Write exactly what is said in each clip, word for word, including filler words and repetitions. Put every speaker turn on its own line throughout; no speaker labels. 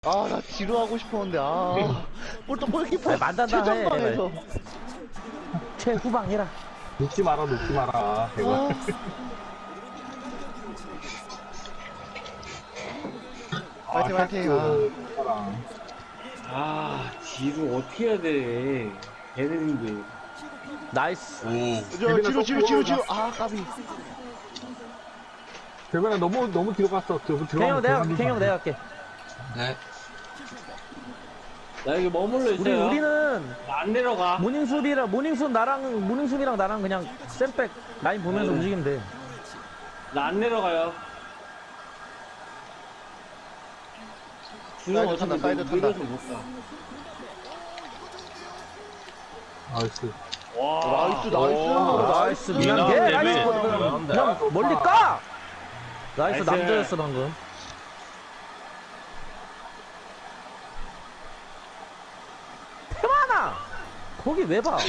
아, 나 지루하고 싶었는데, 아. 볼또 골키퍼.
아니, 만단다 해,
최전방에서.
최후방 해라.
눕지 마라, 눕지 마라. 제발.
아, 파이팅, 파이팅. 아.
아, 지루 어떻게 해야 돼. 걔네인데.
나이스.
저, 지루, 지루, 지루, 지루. 아, 까비.
대변아 너무 너무 뒤로 갔어. 너무
탱형
들어가면
내가
대박이다.
탱형 내가 할게.
네.
나 여기 머물러
우리
있어요.
우리는
안 내려가.
모닝 수비랑 모닝 수 나랑 모닝 수비랑 나랑 그냥 쌤백 라인 보면서
네.
움직이면 돼.
나 안 내려가요.
사이드 탄다, 사이드 탄다.
밀어서 못 가.
나이스.
와.
나이스, 나이스.
나이스 미안해.
미안한데,
나이스.
미안한데.
그냥 멀리 까. 나이스
나이스.
남자였어 방금. 태만아. 거기 왜 봐?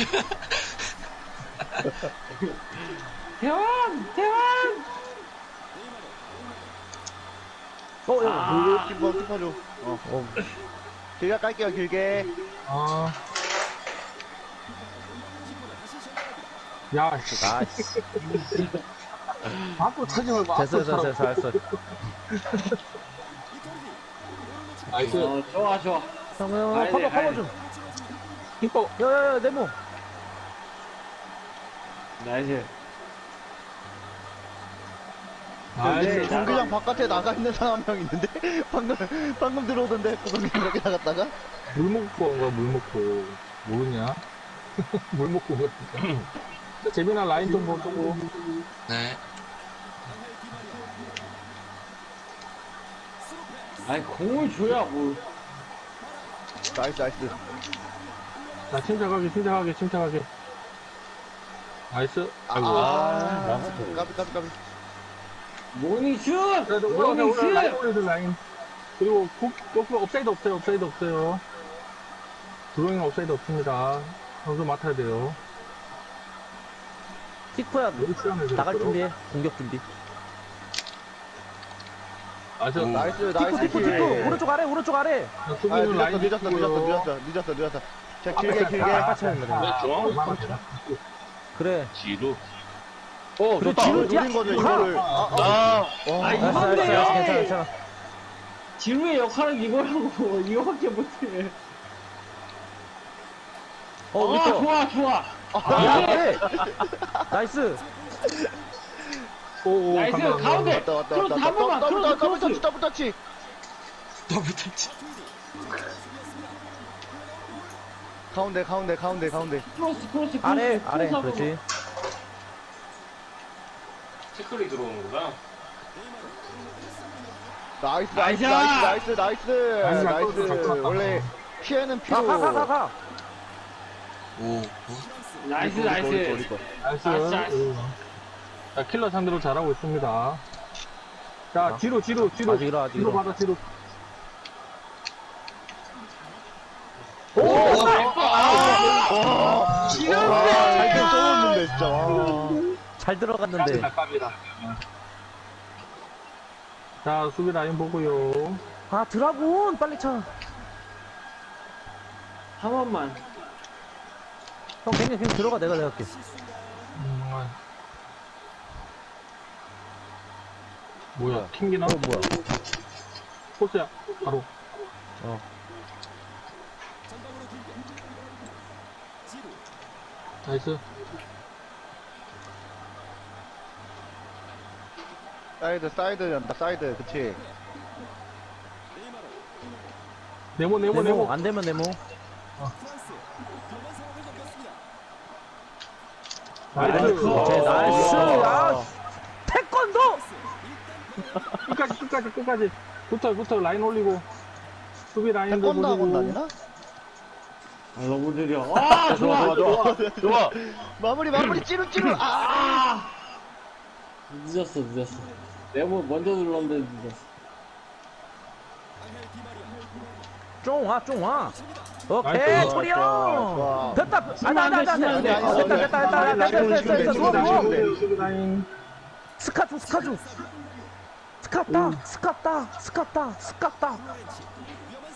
대왕! 대왕!
어, 야,
아,
키퍼, 키퍼 줘. 어.
어,
길게 깔게요, 길게.
아. 야, 씨.
나이스.
앞으로 타지 말고
됐어,
앞으로
됐어,
타라.
됐어, 됐어.
나이스.
어, 좋아, 좋아.
형, 형,
가야 돼,
커버,
가야
커버
돼.
좀.
키퍼.
야, 야, 야, 네모.
나이스.
네,
나이스.
경기장 바깥에 나가 있는 사람 한 명 있는데? 방금, 방금 들어오던데, 구석이 그렇게 나갔다가?
물 먹고 온 거야, 물 먹고. 모르냐? 물 먹고 온 거야. 재민아 라인 좀 보고.
네.
아니, 공을 줘야 뭘.
나이스, 나이스.
자, 침착하게, 침착하게, 침착하게. 나이스. 아이고.
아, 까비, 까비, 까비.
모닝슛!
그래도 올라가, 올라가, 라인
모닝슛!
올려줘, 라인. 그리고 국, 국, 업사이드 없어요, 업사이드 없어요. 드로잉 업사이드 없습니다. 선수 맡아야 돼요.
킥포야,
여기 시간을
나갈 준비해. 공격 준비.
나이스.
오.
나이스,
킥포,
나이스.
킥포,
킬.
킥포. 오른쪽 아래, 오른쪽 아래.
아,
수비는
늦었어,
라인
늦었어, 늦었어,
지키고요.
늦었어, 늦었어, 늦었어. 자, 길게, 길게.
똑같이 하는 거잖아.
네, 중앙으로
그래.
뒤로.
어,
그래,
좋다.
뒤로
이걸 노린 거죠,
가.
이거를. 아, 아.
아,
와.
아,
나이스,
이건데.
나이스, 나이스, 괜찮아, 괜찮아.
지루의 역할은 이거라고. 이거밖에 못해.
어,
아,
우리 거.
좋아, 좋아.
야, 그래. 나이스.
오, 오,
나이스,
감사합니다.
가운데.
왔다, 왔다,
크로스
왔다.
한 번만,
더블,
크로스,
더블 터치,
크로스.
더블 터치.
더블 터치.
가운데, 가운데, 가운데, 가운데.
크로스, 크로스, 크로스.
아래,
크로스
아래.
한 번만.
그렇지.
태클이 들어오는구나.
나이스, 나이스,
나이스!
나이스, 나이스,
나이스,
나이스.
나이스.
원래 피해는
가,
피로.
가, 가, 가, 가.
오.
나이스,
우리 거, 우리 거,
나이스.
우리 거.
나이스.
나이스, 나이스.
음. 자, 킬러 상대로 잘하고 있습니다. 자,
아.
뒤로, 뒤로, 뒤로.
아직 일어, 아직
뒤로
일어.
받아, 뒤로.
오!
와, 잘좀 쏘였는데, 진짜. 와.
잘 들어갔는데.
깝이다. 자, 수비 라인 보고요.
아, 드라군! 빨리 차.
한 번만.
형, 그냥, 그냥 들어가. 내가 내가 할게.
음, 뭐야, 튕기나?
어, 뭐야.
포스야, 바로.
어.
나이스.
사이드, 사이드 연다, 사이드. 그치.
네모, 네모,
네모,
네모.
안 되면 네모.
나이스.
오케이, 나이스. 아, 태권도!
끝까지, 끝까지, 끝까지. 붙어, 붙어, 라인 올리고. 수비 라인도
태권도 학원
보시고.
다니나?
아, 너무 느려. 아, 좋아.
좋아, 좋아. 마무리, 마무리, 찌루, 찌루. 아!
아! 늦었어, 늦었어. 내가 뭐 먼저 눌렀는데 늦었어.
쫑 와, 쫑 와. 오케이,
나이스.
초리
좋아,
형.
좋아.
됐다. 안 돼, 안 돼, 안 돼, 안 돼.
아니, 아니,
어, 됐다, 됐다, 됐다,
아니,
됐다, 됐다,
아니,
됐다, 됐다,
아니,
좋아,
아니,
좋아.
아니, 아니.
수비 라인.
스카주, 스카주. 스카따, 스카따, 스카따, 스카따.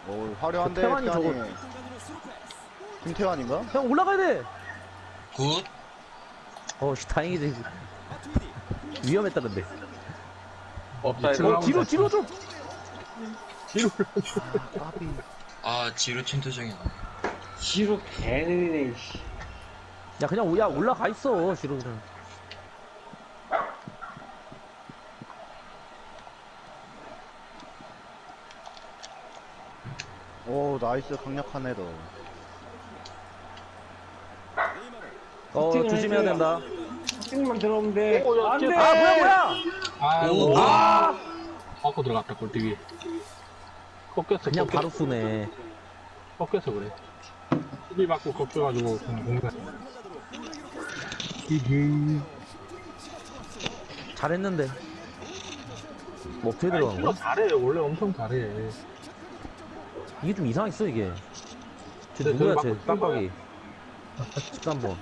오, 화려한데,
태환이 저거-
태환이. 김태환인가?
형 올라가야 돼.
굿.
어, 씨, 다행이지. 위험했다 근데.
업사이드.
어, 뒤로 뒤로 좀.
뒤로.
까비.
아, 지루 침투정이 나네.
지로 개느리네, 씨.
야 그냥 야 올라가 있어 뒤로 그냥.
오, 나이스. 강력한 헤더.
어
슈팅을
조심해야
해줘요.
된다.
슈팅만 들어오면 돼.
오, 야,
안 돼!
아 뭐야 뭐야.
아이고.
오.
아
맞고 들어갔다, 골대위. 꺾였어,
그냥
꺾였어.
바로 쏘네.
꺾여서 그래. 수비 받고 꺾여가지고 그냥 공간. 이게.
잘했는데. 뭐 어떻게
아니,
들어간
진짜
거야?
잘해. 원래 엄청 잘해.
이게 좀 이상했어 이게. 쟤
네,
누구야
저기
쟤
맞고
깜빡이. 십삼 번.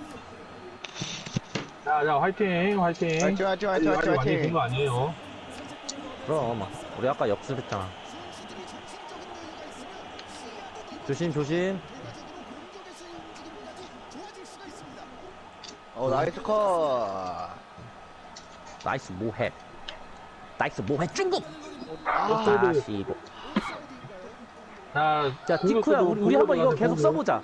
자, 자, 화이팅, 화이팅.
화이팅, 화이팅, 화이팅,
아직
화이팅,
많이
화이팅.
된거 아니에요.
그럼 우리 아까 역습했잖아. 조심 조심.
어, 나이스 컷.
나이스 모해. 나이스 모해 중국.
아,
다시 보.
자,
자 티쿠야
공격수도
우리, 우리 한번 이거
공격을
계속
하고.
써보자.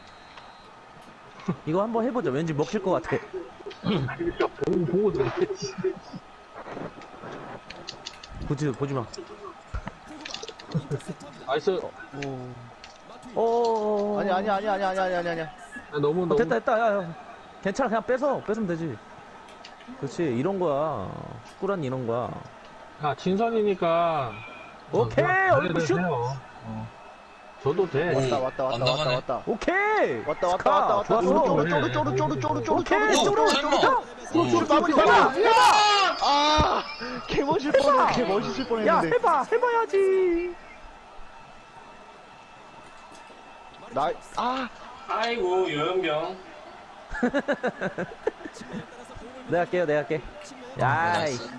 이거 한번 해보자. 왠지 먹힐 것 같아.
그러니까 보고, 보고 들어야지.
보지 보지 마.
나이스.
어.
아니, 아니, 아니, 아니, 아니, 아니, 아니, 아니.
야, 너무,
어,
너무.
됐다 됐다. 야, 야. 괜찮아 그냥 뺏어 뺏으면 되지. 그렇지 이런 거야. 축구란 이런 거야.
야, 진선이니까.
오케이,
어,
얼굴 슛!
해요. 어. 저도 돼.
오.
왔다, 왔다, 왔다,
안
왔다,
나가네.
왔다.
오케이.
왔다, 왔다,
스카,
왔다, 왔다.
좋았어.
쪼르, 쪼르, 쪼르, 쪼르, 쪼르, 쪼르, 쪼르,
오케이
쪼르,
쪼르
쪼르,
쪼르.
쪼르.
오.
쪼르, 마무리
해봐,
해봐.
해봐.
아, 개 멋있을 뻔해, 개 멋있을
야
뻔했는데.
해봐 해봐야지.
나, 아,
아이고, 요영병.
내가 할게요 내가 할게. 야이
나이스.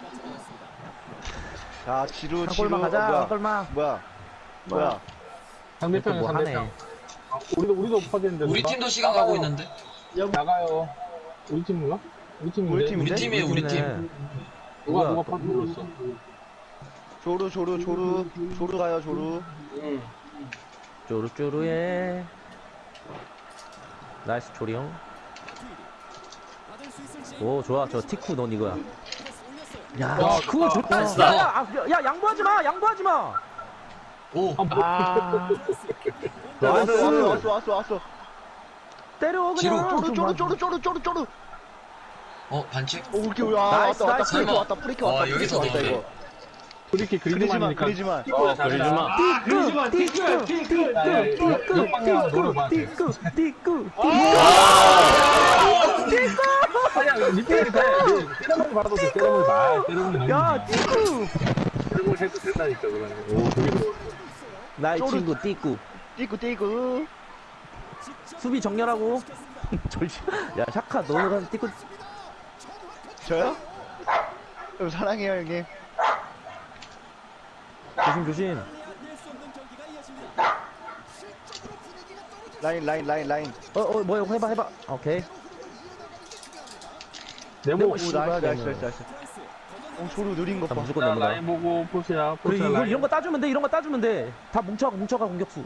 자, 지루,
한
지루.
골만 가자.
어, 뭐야,
한 골만.
뭐야, 뭐야.
상대편이
뭐 하네.
상대편. 아, 우리도, 우리도 퍼졌는데.
우리
누가?
팀도 시간 가고 있는데?
나가요. 우리 팀인가? 우리 팀인데.
우리 팀인데?
우리 팀이에요, 우리 팀.
누가,
누가
누가
또-
퍼눌렀어
조르, 조르, 조르, 조르 가요, 조르.
응.
쪼르쪼르해. 나이스 조리 형. 오 좋아 저 티쿠 넌 이거야. 야
야,
그거
좋다.
좋다. 야, 야, 아, 야 양보하지 마 양보하지 마.
오.
아
왔어,
나이스.
왔어, 왔어, 왔어, 왔어.
때려
뒤로.
그냥.
쪼르, 쪼르, 쪼르, 쪼르, 쪼르, 쪼르.
어, 반칙?
오, 이렇게, 야,
나이스,
왔다, 왔다,
나이스.
프리킥
설마.
왔다, 프리킥
어,
왔다,
여기서
프리킥 왔다,
넣네.
이거.
그렇게
그리지만,
그리지만,
그리지만.
어, 그리지만.
그러지마, 티끌, 티끌.
야, 야, 역- 역방향 노려봐.
띠꾸 띠꾸
아니야, 밑에 돼. 때려먹을 받아도 돼. 때려먹을 봐. 때려먹을
야 띠꾸.
때려먹을 해도 된다니까, 그러네. 오, 되게 좋아.
나의
쪼르.
친구 띠꾸.
띠꾸, 띠꾸.
수비 정렬하고. 졸지. 야 샤카 너는 띠꾸.
저요? 형, 사랑해요, 형님.
조심 조심.
라인, 라인, 라인, 라인.
어어 뭐야 해봐 해봐. 오케이.
네모,
오, 나이스,
씨발,
나이스,
너무.
나이스, 나이스. 오, 조르 느린 것
나
봐.
무조건
자,
넘어가.
라인 보고, 포시야,
그리고
포시야,
이거,
라인.
이런 거 따주면 돼 이런 거 따주면 돼. 다 뭉쳐가 뭉쳐가 공격수.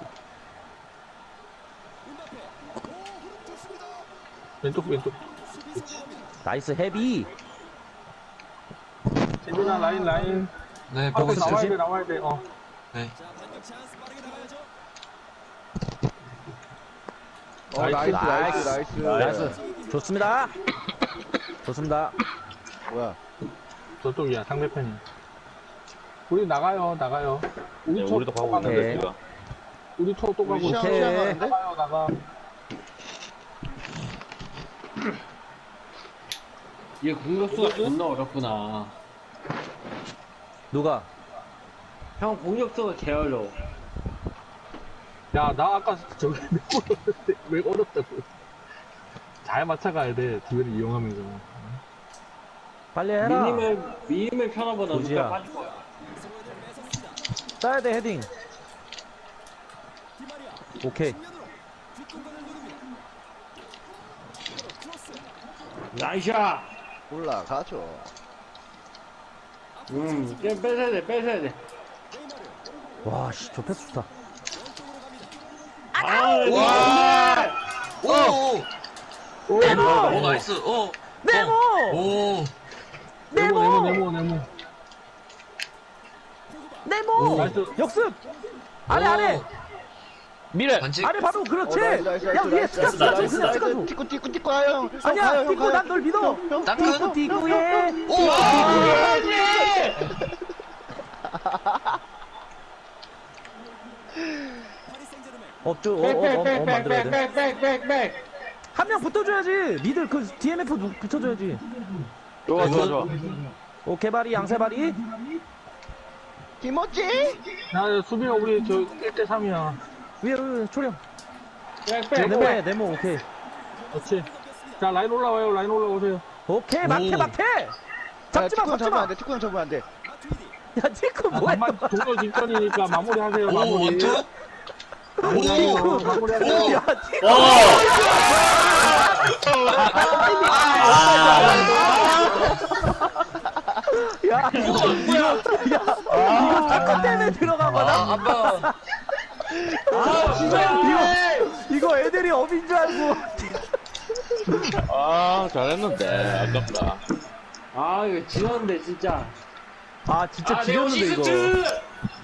왼쪽, 왼쪽.
나이스 헤비.
재민아, 라인, 라인.
네,
하고
보고 있어요.
나와야 돼, 나와야 돼. 어.
네.
어, 나이스,
나이스.
나이스, 나이스.
나이스. 좋습니다. 좋습니다.
뭐야.
저쪽이야, 상대편이. 우리 나가요, 나가요. 우리 네, 우리도 가고
오케이.
우리 초 또 가고
우리 시험,
있어.
오케이.
시험 하는데?
나가요, 나가.
얘 공격수가 존나 어렵구나.
누가?
형 공격수가 개 어려워.
야, 나 아까 저기 왜 어렵는데? 왜 어렵다고? 잘 맞춰가야 돼, 기회를 이용하면서.
빨리 해라.
미니맵, 미니맵 편하보다
도지야.
누가 빠질 거야.
따야 돼 헤딩. 오케이.
나이샤.
올라가죠.
음, 좀 뺏어야 돼, 뺏어야 돼.
와, 씨, 저 패스 좋다.
아,
와! 오! 오!
네모!
오, 나이스. 오!
네모!
오!
네모, 네모, 네모, 네모.
네모!
오.
나이스.
역습! 아래,
오.
아래!
미래.
반칙.
아래 바로 그렇지!
어, 나이스, 나이스,
야,
나이스,
위에
나이스,
스카스
나이스,
나이스, 그냥
나이스,
찍어줘.
띠꾸, 띠꾸, 띠꾸 가요, 형. 형,
아니야,
가요, 형,
띠꾸
가요.
난 널 믿어!
형, 형,
땅끝.
띠꾸, 띠꾸해!
오!
어, 저, 어, 어, 어, 어, 만들어야 돼.
백백백백백백백.
한 명 붙어줘야지! 미들 그 디엠에프 누- 붙여줘야지.
좋아, 좋아, 좋아.
오, 개발이, 양세발이.
김어찌?
야, 수비가 우리 저 일 대 삼이야.
위에, 위에, 초령.
백백.
네모해, 네모, 오케이.
그렇지. 자, 라인 올라와요. 라인 올라오세요.
오케이, 막해,
오.
막해!
야,
잡지 마,
띠꾸 형
잡지
잡으면
마!
안 돼, 띠꾸 형 잡으면 안 돼.
야, 띠꾸
아,
뭐야?
정말 종료 직전이니까 마무리하세요.
오,
마무리.
원투?
마무리하세요.
오!
마무리하세요.
야, 띠꾸! 야, 이거,
뭐야?
이거 띠꾸 때문에 들어간 거다?
아, 아빠.
아, 진짜.
이거, 이거 애들이 업인 줄 알고.
아, 잘했는데. 아깝다.
아, 이거 지웠는데, 진짜.
아, 진짜
아,
지렸는데, 이거.
네오시스트!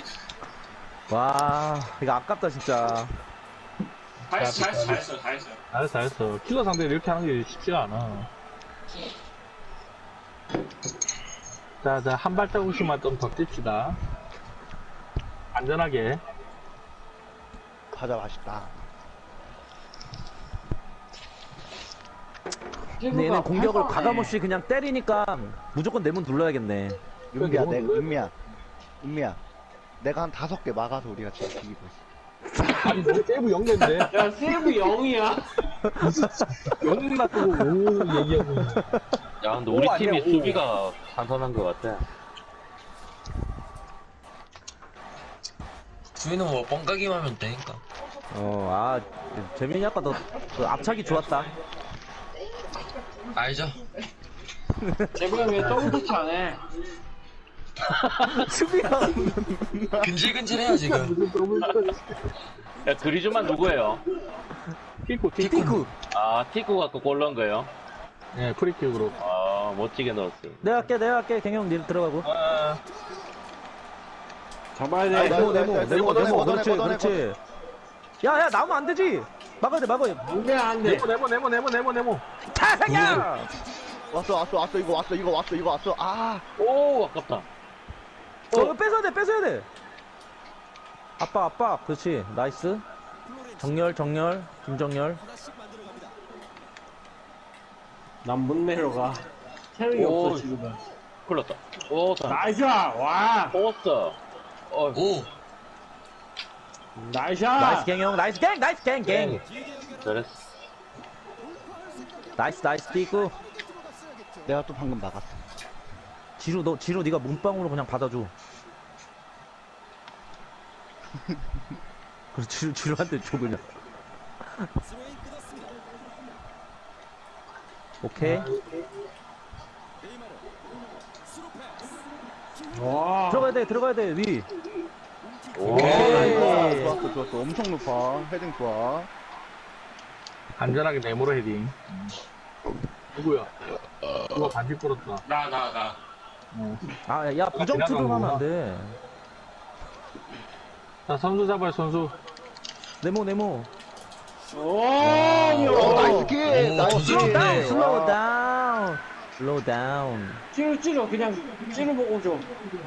와, 이거 아깝다, 진짜.
잘했어, 잘했어, 잘했어, 잘했어.
잘했어, 잘했어. 킬러 상대를 이렇게 하는 게 쉽지가 않아. 자, 자, 한 발자국씩만 좀 더 뜁시다. 안전하게.
과자 맛있다.
근데 얘는 공격을 과감없이 그냥 때리니까 무조건 내문 눌러야겠네.
은미야,
너무
내,
놀래.
은미야. 은미야. 내가 한 다섯 개 막아서 우리가 지금 이기고 있어.
아니, 뭐, 세이브 영대인데.
야, 세이브 영이야.
영웅 놔두고 오 얘기하고 있네.
야, 근데 우리
오,
팀이
아니야, 오.
수비가 탄탄한 것 같아.
수비는 뭐 뻥까기만 하면 되니까.
어, 아, 재민이 아까 너, 그 앞차기 좋았다.
알죠?
제발 왜 더블 터치 안 해?
수비가.
근질근질해요, 지금.
야, 그리즈만 누구예요?
티쿠, 티쿠.
띠꾸.
아, 티쿠 갖고 골 넣은 거예요?
네, 프리킥으로.
아, 멋지게 넣었어요.
내가 할게, 내가 할게. 갱형 니 들어가고.
아,
잡아야 돼.
아이,
네모,
나이스,
네모,
나이스,
네모,
걷어내,
네모.
걷어내,
그렇지,
걷어내,
그렇지. 야, 야, 나오면 안 되지. 막아야 돼, 막아야 돼.
안 돼, 안 돼.
네모, 네모, 네모, 네모, 네모, 네모.
타생야!
왔어, 왔어, 왔어. 이거 왔어, 이거 왔어, 이거 왔어. 아,
오, 아깝다.
어, 이거 뺏어야 돼, 뺏어야 돼. 아빠, 아빠. 그렇지. 나이스. 정렬, 정렬. 김정렬.
난 못 내려가. 체력이
오.
없어, 지금은.
흘렀다. 오, 잘.
나이스! 와!
뽑았어. 어,
오!
나이스!
나이스 갱형, 나이스 갱, 나이스 갱, 갱.
잘했어.
나이스, 나이스 띠꾸.
내가 또 방금 막았어.
지루, 너, 지루, 네가 몸빵으로 그냥 받아줘. 그래, 지루, 지루한테 줘, 그냥. 오케이.
와.
들어가야 돼, 들어가야 돼, 위.
오,
오케이.
좋았어, 좋았어, 좋았어. 엄청 높아. 헤딩 좋아.
안전하게 네모로 헤딩. 누구야? 누가 반지 끌었다.
나, 나, 나.
어.
아, 야, 부정투를 하면 안 돼.
자, 선수 잡아요, 선수.
네모, 네모.
오!
오, 나이스 킥!
오,
나이스
부드럽네.
킥!
다운, 슬로우
와.
다운. 슬로우 다운.
찌르, 찌르. 그냥 찌르 보고 줘.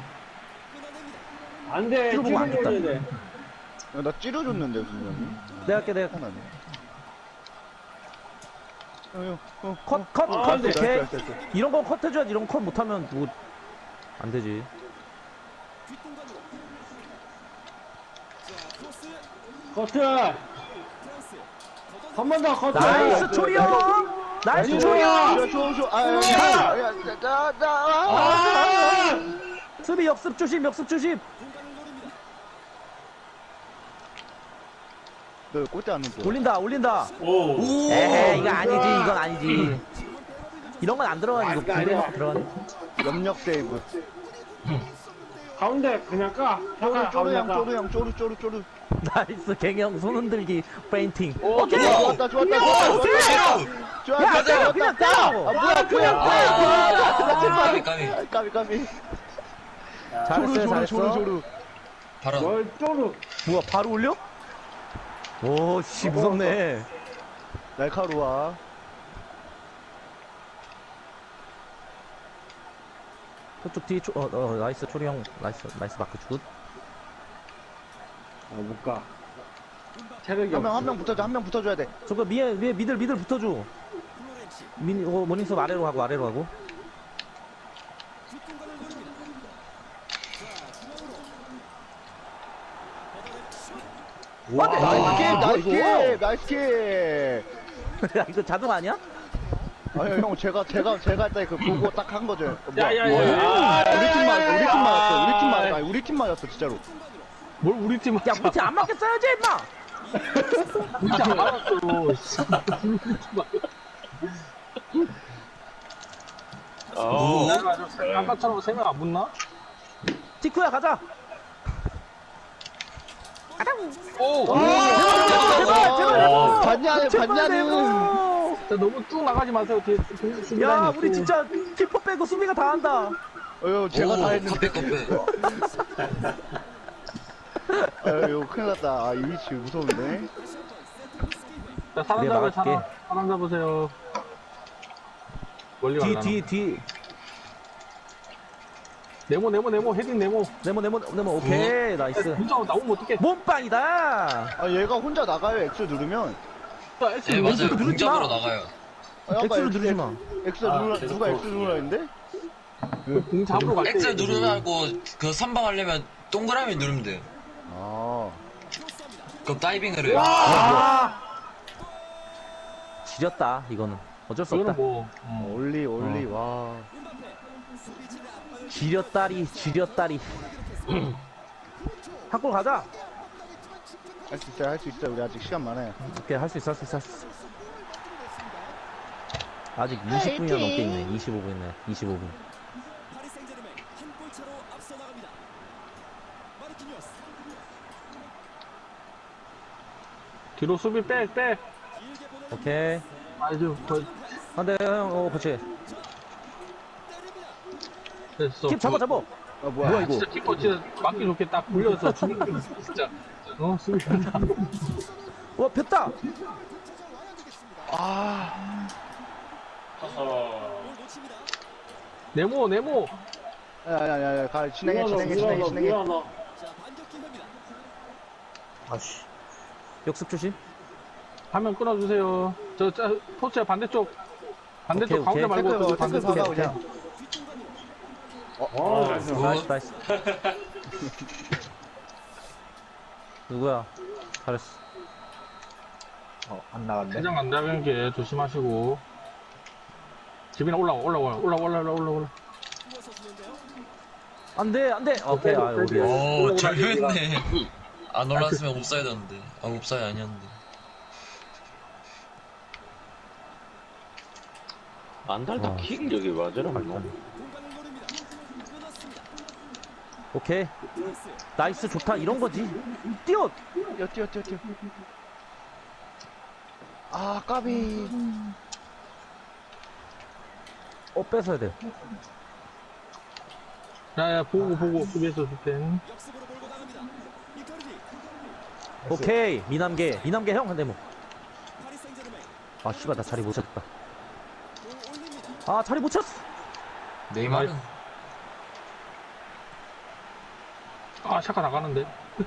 안 돼.
찌르
찌르
보면 안
보고
됐다.
줘야 돼.
야, 나 찌려줬는데, 분명히.
내가 할게, 내가.
하나네. 어, 형, 어,
컷, 컷,
아,
컷,
네.
오케이.
나이스, 나이스, 나이스.
이런 건 컷 해줘야지. 이런 거 컷 못하면 뭐, 안 되지.
커트! 한 번 더 커트!
나이스 초리형! 나이스
나이스
초리형!
야, 좋아, 좋아. 아, 야, 야, 야, 자, 자, 자, 아.
아!
수비 역습 조심, 역습 조심.
그 꽂지 않는 거.
올린다 올린다.
오.
에이 이거 아니지 이건 아니지. 이런 건 안 들어가니 이거 군대 들어가니.
염력 세이브.
가운데 그냥 까.
쪼르 쪼르 양
가운데 까.
쪼르 양 쪼르 쪼르 쪼르.
나이스 갱형 손 흔들기 페인팅.
오
오케이.
좋았다 좋았다 좋았다 좋았다. 좋았다
야,
좋았다
그냥
좋았다.
때려.
아 뭐야 그냥
까비
때려.
까비
까비 까비.
잘했어요
조르 조르
잘했어.
조르.
바로
뭘 쪼르.
뭐야 바로 올려? 오씨 무섭네.
날카로워.
저쪽 뒤에 초, 어, 어 나이스 초리 형 나이스 나이스 마크 굿.
아, 못 가. 체력이
한 명
없어.
한 명 붙어줘 한 명 붙어줘야 돼.
저거 위에 위에 미들 미들 붙어줘. 민 어, 모닝섭 아래로 가고 아래로 가고.
와 나이스 킥 나이스
이거.
킥 나이스 킥.
야 이거 자동 아니야?
아니 형 제가 제가 제가 할 때 그 보고 딱 한 거죠. 뭐야?
야야야.
우리 팀 맞 우리 팀 맞았어. 우리 팀 맞았어. 아니 우리 팀 맞았어 진짜로.
뭘 우리 팀
야 우리 팀안 맞겠어야지 임마.
우리 팀안 맞았어.
어.
내가 아까처럼 세 명 안 붙나?
티쿠야 가자.
오.
제발 제발
어, 봤냐는
제발
봤냐는.
내고.
자, 너무 쭉 나가지 마세요. 뒤에 수- 수비
야
라인
우리
있고.
진짜 키퍼 빼고 수비가 다 한다.
어휴 제가
오,
다 했는데.
컵빼 컵빼
아유 큰일 났다. 아 이 위치 무서운데.
자, 사람
내가
잡으세요.
막을게.
사람, 사람 잡으세요. 멀리 가려나?
뒤 뒤 뒤.
네모 네모 네모 헤딩 네모.
네모 네모 네모 오케이 나이스.
문자 나오면 어떡해?
몸빵이다.
아 얘가 혼자 나가요. X 누르면.
자, S
네
누르지.
맞아요
누르지 마.
공잡으로 나가요
아, 아까
X를
X,
누르지 마.
X 누르라 누가 X 누르라 했는데?
공 잡으러 갈 때.
X 누르고 그 선방 하려면 동그라미 누르면 돼요
아.
그럼 다이빙을 해요
아. 지렸다 이거는 어쩔 수
이거는
없다.
뭐. 음.
올리 올리 와.
지렸다리 지렸다리. 한 골 가자.
할 수 있어요 할 수 있어요. 우리 아직 시간 많아요.
오케이 할 수 있어 할 수 있어 할 수 있어. 아직 이십 분이나 넘게 있네. 이십오 분 있네. 이십오 분.
뒤로 수비 백 백.
오케이.
아주 거
안돼 형. 어 그렇지.
됐어.
킵 잡아 잡아.
아 뭐야?
뭐야 이거?
진짜 키퍼 진짜 맞기 좋게 딱 굴려서 죽는 거 진짜. 어 수비.
와 폈다.
아.
어허.
네모 네모.
야야야야 가 진행해 진행해 진행해
미안하,
진행해.
미안하.
아씨. 역습 조심.
화면 끊어주세요. 저, 저 포스야 반대쪽. 반대쪽
오케이,
가운데
오케이.
말고
태클
저기
봐 태클
반대쪽.
박아 그냥.
어, 나이스.
나이스 나이스. 누구야? 잘했어.
대장 안 잡은 게 조심하시고. 집이나 올라와 올라와 올라와 올라와 올라와 올라와.
안돼 안돼. 오케이 아 우리.
오 절묘했네 안 올랐으면 옵사이드였는데 아 옵사이드 아니었는데
안달다
어.
킥 여기 맞으라 뭐.
오케이. 나이스 좋다 이런 거지. 뛰어.
뛰어 뛰어 뛰어 뛰어. 아 까비.
어 뺏어야 돼.
야야 보고 보고 수비에서 줄텐.
오케이 미남계 미남계 형 한대 뭐. 아 씨발 나 자리 못 찾았다. 아 자리 못 찾았어.
네이마르
아 샤카 나가는데.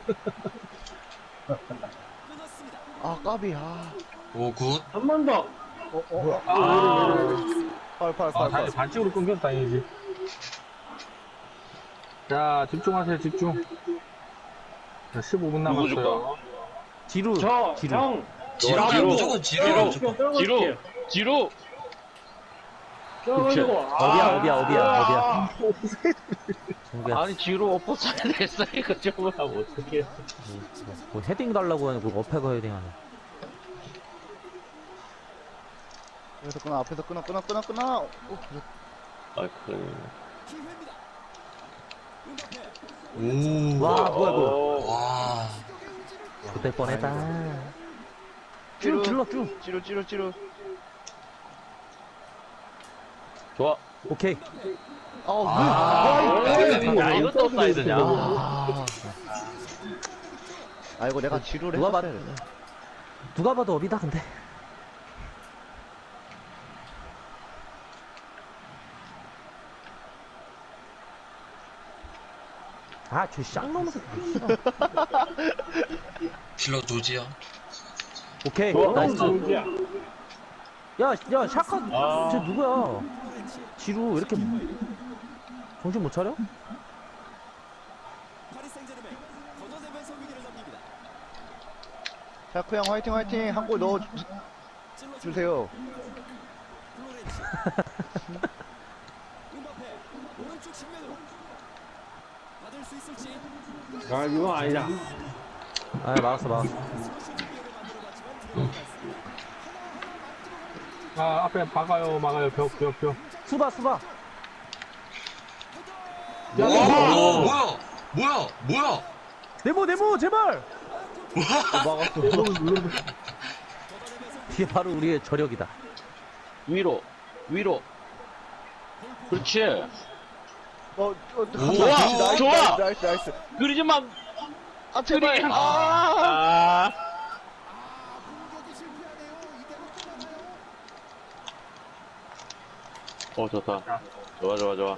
아 까비 아.
오굿
한 번 더.
아,
팔팔
아
팔 팔.
다행히 반칙으로 끊겨서 다행이지. 자 집중하세요 집중. 자 십오 분
누구
남았어요.
지루.
저,
지루.
형.
지루가
지루.
무조건 지루예요 무조건
지루 지루.
껴가지고.
어비야, 어비야, 어비야, 어비야. 정비야.
아니 뒤로 엎어쳐야 됐어 이거 좀 하면 어떡해.
뭐 헤딩 달라고 하는 그 어패가 헤딩 하네.
앞에서 끊어 앞에서 끊어 끊어 끊어 끊어. 어,
아 그.
오.
와, 뭐야, 뭐야.
와.
그때 뻔했다.
찌루.
쭉, 질러, 쭉.
찌루 찌루 찌루.
좋아.
오케이.
어,
아,
그,
야 이것도 업사이드냐.
아, 아 이거 내가 지루를
누가
했었어야
봐도-
돼.
누가 봐도 업이다, 근데. 아, 저 쌍놈의 새끼.
킬러 조지야.
오케이.
좋아,
나이스.
정지야.
야, 야, 샤카, 쟤 누구야? 지루, 왜 이렇게 정신 못 차려?
자쿠 형 화이팅 화이팅 한 골 넣어 주, 주세요.
아, 이건 아니다.
아, 막았어, 막았어.
아, 앞에 박아요, 막아요, 벽, 벽, 벽.
수바, 수바.
오, 오, 뭐야? 뭐야? 뭐야?
네모, 네모, 제발!
막았어.
뒤에 바로 우리의 저력이다.
위로 위로. 그렇지.
어, 어,
좋아,
나이스,
좋아.
나이스, 나이스, 나이스.
그러지만
아, 제발. 아,
아. 어 좋다. 좋아 좋아 좋아.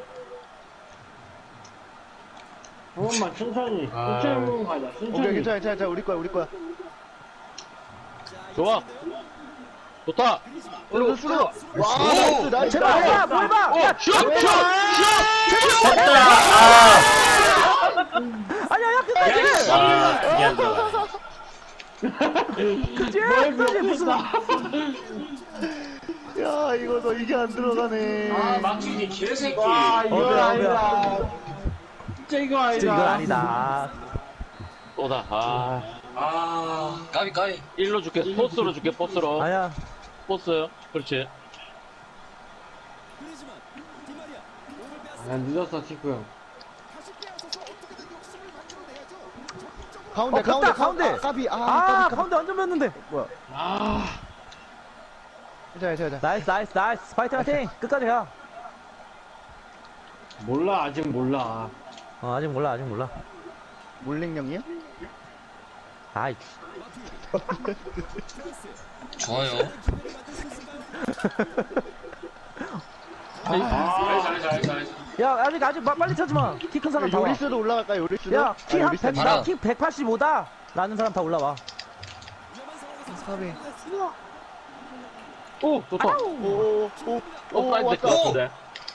한 번만 천천히.
아.
천천히 가자.
오케이,
천천히.
괜찮아, 괜찮아, 괜찮아. 우리 거야, 우리 거야.
좋아. 좋다.
수루, 수루. 와,
오!
나이스, 나이스.
제발, 야, 뭘 봐! 야,
슛! 슛!
아니야, 야, 끝까지!
아, 이게 안 들어가.
그치? 끝까지 무슨.
야, 이거 너 이게 안 들어가네.
아, 막히지, 개새끼.
아, 이거
어디야,
아니다.
진짜 이거 아니다.
진짜 이건 아니다.
또다. 아.
아, 까비 까비.
일로 줄게. 포스로 줄게. 포스로.
아야,
포스. 그렇지.
아, 늦었어, 티쿠 형.
가운데,
어,
가운데,
됐다, 가운데.
아, 까비. 아,
아,
까비, 까비.
가운데 완전 뺐는데.
뭐야?
아.
괜찮아, 괜찮아.
나이스, 나이스, 나이스. 파이팅, 파이팅. 끝까지 가.
몰라, 아직 몰라.
어, 아직 몰라, 아직 몰라.
몰링령이요?
아이,
좋아요.
야, 아직, 아직, 마- 빨리 쳐지 마. 키 큰 사람 다 와.
요리스도 올라갈까요, 요리스도?
야, 키
아,
한
요리스.
백,
알아.
나 키 백팔십오다. 라는 사람 다 올라와.
까비.
오, 좋다.
오, 오, 오, 오,
업사이드
왔다.
될것 같은데.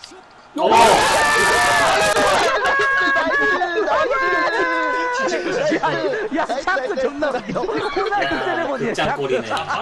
야, 야, 샤크 존나 웃겨. 호날두 세레머니야, 샤크.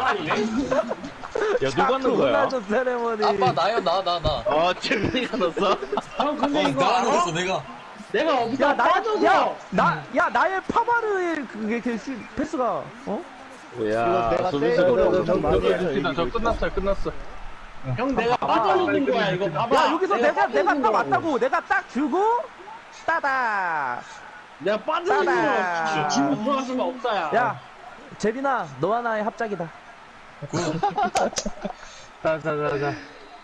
야, 누가 넣은 거야?
호날두 세레머니.
아빠 나요 나 나 나.
아, 재민이가 넣었어?
형, 근데
어,
이거
내가
알아?
넣었어 내가.
내가
야,
어디다
나의,
빠져서.
야, 나, 야, 나의 파바르의 그게, 그, 슈- 패스가, 어?
이거
야,
내가
소비스
세이브를
넣었어.
엄청 많이 했어.
됐습니다. 저 끝났어요, 끝났어.
형, 내가 빠져놓는 거야, 이거 봐봐.
야, 여기서 내가, 내가
빠져놓는
딱
거라고.
왔다고. 내가 딱 주고, 따다.
내가 빠져놓는
따다.
거야. 지금 들어갔으면 없다야.
야, 재빈아, 너와 나의 합작이다.
자, 자, 자, 자.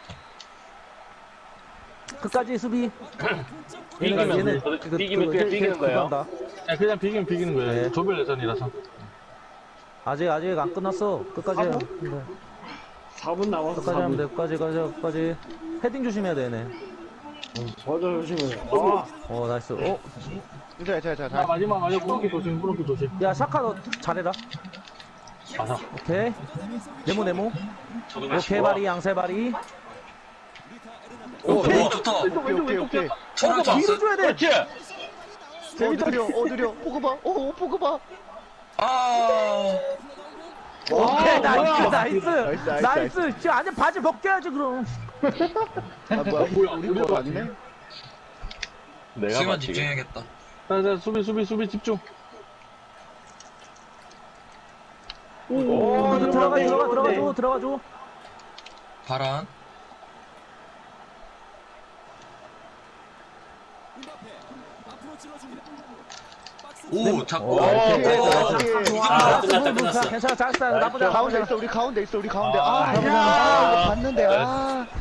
끝까지 수비.
이기면
얘네,
돼.
그거,
이기면
그거
그냥
힐-
이기는
힐
거예요.
그거 한다.
야, 그냥 비기면 비기는 거예요.
네.
조별 예선이라서.
아직, 아직 안 끝났어. 끝까지 해야 돼.
사 분 남았어,
끝까지
사
하면 돼.
분.
끝까지, 끝까지, 끝까지. 헤딩 조심해야 돼, 얘네.
맞아, 조심해. 아,
어, 나이스. 어?
괜찮아, 괜찮아,
자,
괜찮아.
마지막, 마지막 부르기 조심, 부르기 조심.
야, 샤카 너 잘해라.
가서.
오케이. 네모, 네모. 오케이, 바리, 양세 바리.
오,
오케이.
오 좋다.
오케이, 오케이, 오케이.
털을
뒤로
줬어.
줘야 돼.
그렇지.
어, 느려, 어, 느려. 포그바, 어, 포그바.
아,
오케이, 나이스,
뭐야.
나이스,
나이스, 나이스,
나이스. 지금 안에 바지 벗겨야지, 그럼.
아 뭐야
뭐야,
우리
우리
거
거
아니네?
내가
수비만
맞히게.
집중해야겠다.
자, 자, 수비, 수비, 수비 집중.
오, 들어가,
네,
들어가, 들어가,
네.
줘, 들어가, 줘.
바란. 오, 잡고.
오,
오케이,
됐어,
나이스.
이기면
아,
돼.
끝났다, 끝났어.
괜찮아, 잘했어. 나쁘지 않아.
가운데 있어 우리 가운데 있어 우리 가운데 아,
아,
아, 이거 봤는데 아